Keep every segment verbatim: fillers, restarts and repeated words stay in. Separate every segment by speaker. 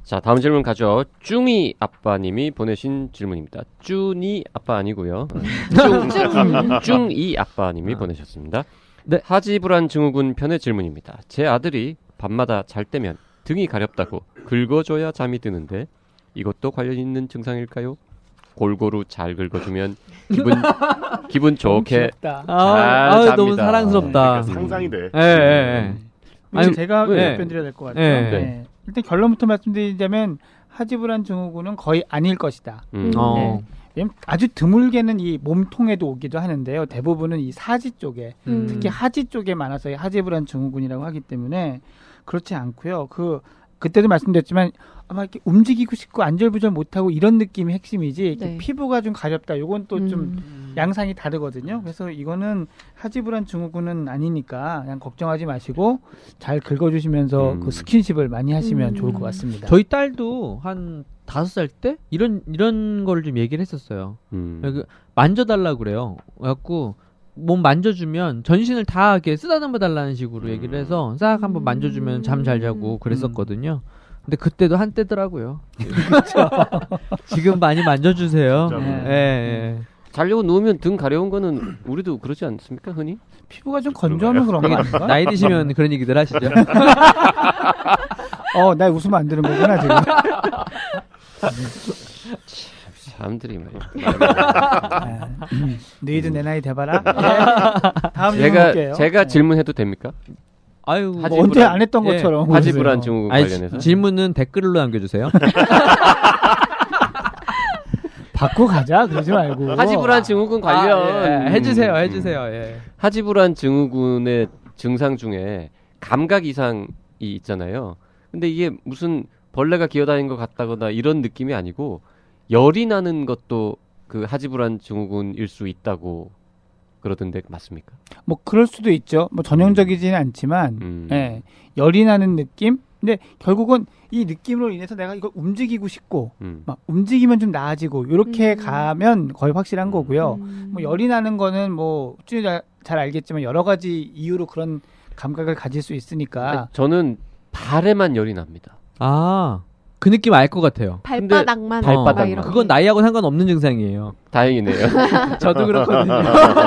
Speaker 1: 자, 다음 질문 가죠. 쭈미 아빠님이 보내신 질문입니다. 쭈니 아빠 아니고요. 쭈, 쭈이 아빠님이
Speaker 2: 아.
Speaker 1: 보내셨습니다.
Speaker 2: 네.
Speaker 1: 하지불안 증후군 편의 질문입니다. 제 아들이 밤마다 잘 때면 등이 가렵다고 긁어줘야 잠이 드는데 이것도 관련 있는 증상일까요? 골고루 잘 긁어주면 기분 기분 좋게
Speaker 3: 귀엽다.
Speaker 1: 잘
Speaker 2: 아,
Speaker 1: 잡니다.
Speaker 2: 너무 사랑스럽다.
Speaker 4: 그러니까 상상이 돼.
Speaker 2: 예, 예, 예.
Speaker 3: 아니,
Speaker 2: 아니,
Speaker 3: 제가
Speaker 2: 네.
Speaker 3: 답변드려야 될 것 같아요.
Speaker 2: 네.
Speaker 3: 네. 일단 결론부터 말씀드리자면 하지불안 증후군은 거의 아닐 것이다.
Speaker 1: 음.
Speaker 2: 어.
Speaker 3: 왜냐면 아주 드물게는 이 몸통에도 오기도 하는데요. 대부분은 이 사지 쪽에,
Speaker 2: 음.
Speaker 3: 특히 하지 쪽에 많아서 하지불안 증후군이라고 하기 때문에 그렇지 않고요. 그 그때도 말씀드렸지만 아마 이렇게 움직이고 싶고 안절부절 못하고 이런 느낌이 핵심이지 이렇게
Speaker 5: 네.
Speaker 3: 피부가 좀 가렵다. 이건 또 좀
Speaker 5: 음.
Speaker 3: 양상이 다르거든요. 그래서 이거는 하지불안 증후군은 아니니까 그냥 걱정하지 마시고 잘 긁어주시면서
Speaker 1: 음.
Speaker 3: 그 스킨십을 많이 하시면
Speaker 5: 음.
Speaker 3: 좋을 것 같습니다.
Speaker 2: 저희 딸도 한 다섯 살 때 이런 이런 거를 좀 얘기를 했었어요.
Speaker 1: 음.
Speaker 2: 그 만져달라 그래요. 그래갖고 몸 만져주면 전신을 다 이렇게 쓰다듬어 달라는 식으로 얘기를 해서 싹 한번 만져주면 잠 잘 자고 그랬었거든요. 근데 그때도 한때더라고요. 지금 많이 만져주세요.
Speaker 4: 진짜로.
Speaker 2: 예, 예.
Speaker 1: 자려고 누우면 등 가려운 거는 우리도 그러지 않습니까, 흔히?
Speaker 3: 피부가 좀 건조하면 그런 거 아닌가?
Speaker 2: 나이 드시면 그런 얘기들 하시죠.
Speaker 3: 어, 나 웃으면 안 되는 거구나 지금.
Speaker 1: 사람들이 말이야.
Speaker 3: 음, 너희도 내 나이 돼봐라. 네. 다음 질문
Speaker 1: 제가
Speaker 3: 볼게요.
Speaker 1: 제가
Speaker 3: 네.
Speaker 1: 질문해도 됩니까?
Speaker 2: 아유,
Speaker 3: 뭐
Speaker 1: 하지불안-
Speaker 3: 언제 안 했던
Speaker 2: 예.
Speaker 3: 것처럼.
Speaker 1: 하지불안
Speaker 3: 그러세요.
Speaker 1: 증후군
Speaker 2: 아니,
Speaker 1: 관련해서.
Speaker 2: 질문은 댓글로 남겨주세요.
Speaker 3: 받고 가자 그러지 말고.
Speaker 1: 하지불안 증후군 관련
Speaker 2: 아, 예. 해주세요,
Speaker 1: 음,
Speaker 2: 해주세요. 예.
Speaker 1: 하지불안 증후군의 증상 중에 감각 이상이 있잖아요. 근데 이게 무슨 벌레가 기어다니는 것 같다거나 이런 느낌이 아니고 열이 나는 것도 그 하지불안 증후군일 수 있다고 그러던데 맞습니까?
Speaker 3: 뭐 그럴 수도 있죠. 뭐 전형적이지는 않지만,
Speaker 1: 음.
Speaker 3: 예, 열이 나는 느낌. 근데 결국은 이 느낌으로 인해서 내가 이걸 움직이고 싶고,
Speaker 1: 음.
Speaker 3: 막 움직이면 좀 나아지고 이렇게
Speaker 5: 음.
Speaker 3: 가면 거의 확실한 거고요.
Speaker 5: 음.
Speaker 3: 뭐 열이 나는 거는 뭐 쭉 잘, 잘 알겠지만 여러 가지 이유로 그런 감각을 가질 수 있으니까.
Speaker 1: 아니, 저는 발에만 열이 납니다.
Speaker 2: 아, 그 느낌 알 것 같아요.
Speaker 5: 발바닥만
Speaker 1: 근데 발바닥만.
Speaker 5: 막 이렇게.
Speaker 2: 그건 나이하고 상관없는 증상이에요.
Speaker 1: 다행이네요.
Speaker 2: 저도 그렇거든요.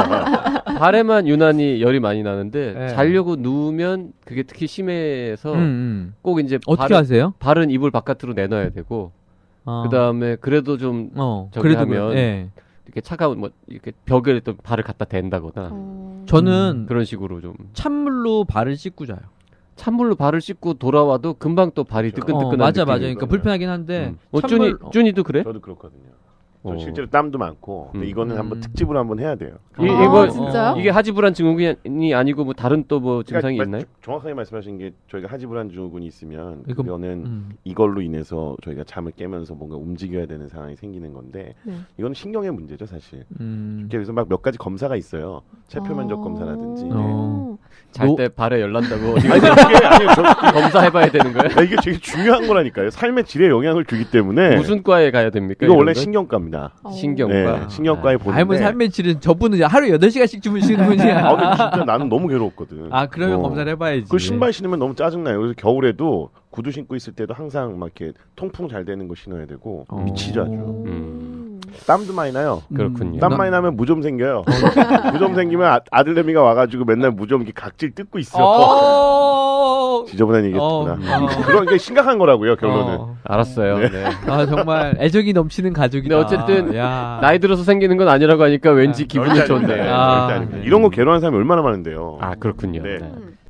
Speaker 1: 발에만 유난히 열이 많이 나는데
Speaker 2: 네.
Speaker 1: 자려고 누우면 그게 특히 심해서
Speaker 2: 음, 음.
Speaker 1: 꼭 이제
Speaker 2: 어떻게
Speaker 1: 발은-
Speaker 2: 하세요?
Speaker 1: 발은 이불 바깥으로 내놔야 되고
Speaker 2: 아.
Speaker 1: 그다음에 그래도 좀
Speaker 2: 어,
Speaker 1: 저기
Speaker 2: 그래도
Speaker 1: 하면
Speaker 2: 그- 예.
Speaker 1: 이렇게 차가운 뭐 이렇게 벽에 또 발을 갖다 댄다거나
Speaker 5: 어.
Speaker 2: 저는
Speaker 1: 그런 식으로 좀
Speaker 2: 찬물로 발을 씻고 자요.
Speaker 1: 찬물로 발을 씻고 돌아와도 금방 또 발이
Speaker 4: 그렇죠.
Speaker 1: 뜨끈뜨끈한
Speaker 2: 어, 맞아,
Speaker 1: 느낌이
Speaker 2: 맞아. 그러니까
Speaker 4: 있거든요.
Speaker 2: 불편하긴 한데.
Speaker 1: 음. 어, 쭈니
Speaker 2: 찬물-
Speaker 1: 쭈니도 그래?
Speaker 4: 저도 그렇거든요. 저
Speaker 1: 어.
Speaker 4: 실제로 땀도 많고, 근데
Speaker 1: 음.
Speaker 4: 이거는 한번
Speaker 2: 음.
Speaker 4: 특집으로 한번 해야 돼요.
Speaker 1: 이-
Speaker 5: 아,
Speaker 1: 이거
Speaker 5: 진짜요?
Speaker 1: 이게 하지불안 증후군이 아니고 뭐 다른 또 뭐 증상이
Speaker 4: 그러니까
Speaker 1: 있나요?
Speaker 4: 정확하게 말씀하신 게 저희가 하지불안 증후군이 있으면
Speaker 2: 이거-
Speaker 4: 그거는
Speaker 2: 음.
Speaker 4: 이걸로 인해서 저희가 잠을 깨면서 뭔가 움직여야 되는 상황이 생기는 건데
Speaker 5: 네.
Speaker 4: 이건 신경의 문제죠 사실.
Speaker 2: 음.
Speaker 4: 그래서 막 몇 가지 검사가 있어요. 체표 면적
Speaker 5: 어.
Speaker 4: 검사라든지. 네.
Speaker 2: 어.
Speaker 1: 잘
Speaker 2: 노-
Speaker 1: 때 발에 열 난다고 어디
Speaker 4: 아니
Speaker 1: 가서
Speaker 4: 이게 아니에요. 저,
Speaker 1: 검사해봐야 되는 거예요?
Speaker 4: 아, 이게 되게 중요한 거라니까요. 삶의 질에 영향을 주기 때문에.
Speaker 1: 무슨 과에 가야 됩니까?
Speaker 4: 이거 원래
Speaker 1: 이런 건?
Speaker 4: 신경과입니다.
Speaker 5: 어.
Speaker 1: 신경과.
Speaker 4: 네, 신경과에 보는데.
Speaker 2: 아이, 뭐 삶의 질은 저분은 하루 여덟 시간씩 주무시는
Speaker 4: 아,
Speaker 2: 분이야.
Speaker 4: 근데 진짜 나는 너무 괴롭거든.
Speaker 2: 아, 그러면
Speaker 4: 어.
Speaker 2: 검사를 해봐야지.
Speaker 4: 그 신발 신으면 너무 짜증나요. 그래서 겨울에도 구두 신고 있을 때도 항상 막 이렇게 통풍 잘 되는 거 신어야 되고
Speaker 2: 어.
Speaker 4: 미치죠 아주.
Speaker 1: 음.
Speaker 4: 땀도 많이 나요.
Speaker 1: 그렇군요.
Speaker 4: 땀 많이 나면 무좀 생겨요. 무좀 생기면 아, 아들내미가 와가지고 맨날 무좀 이렇게 각질 뜯고 있어.
Speaker 2: 어.
Speaker 4: 지저분한 얘기했구나.
Speaker 2: 어.
Speaker 4: 그런 게 심각한 거라고요 결론은.
Speaker 2: 어.
Speaker 1: 알았어요.
Speaker 4: 네.
Speaker 1: 네.
Speaker 2: 아, 정말 애정이 넘치는 가족이다.
Speaker 1: 근데 어쨌든
Speaker 2: 야.
Speaker 1: 나이 들어서 생기는 건 아니라고 하니까 왠지
Speaker 2: 아,
Speaker 1: 기분이
Speaker 4: 절대
Speaker 1: 좋네요.
Speaker 4: 아닙니다.
Speaker 2: 아,
Speaker 4: 절대 아닙니다.
Speaker 2: 네.
Speaker 4: 이런 거 괴로워하는 사람이 얼마나 많은데요.
Speaker 1: 아 그렇군요.
Speaker 4: 네.
Speaker 1: 네.
Speaker 5: 음.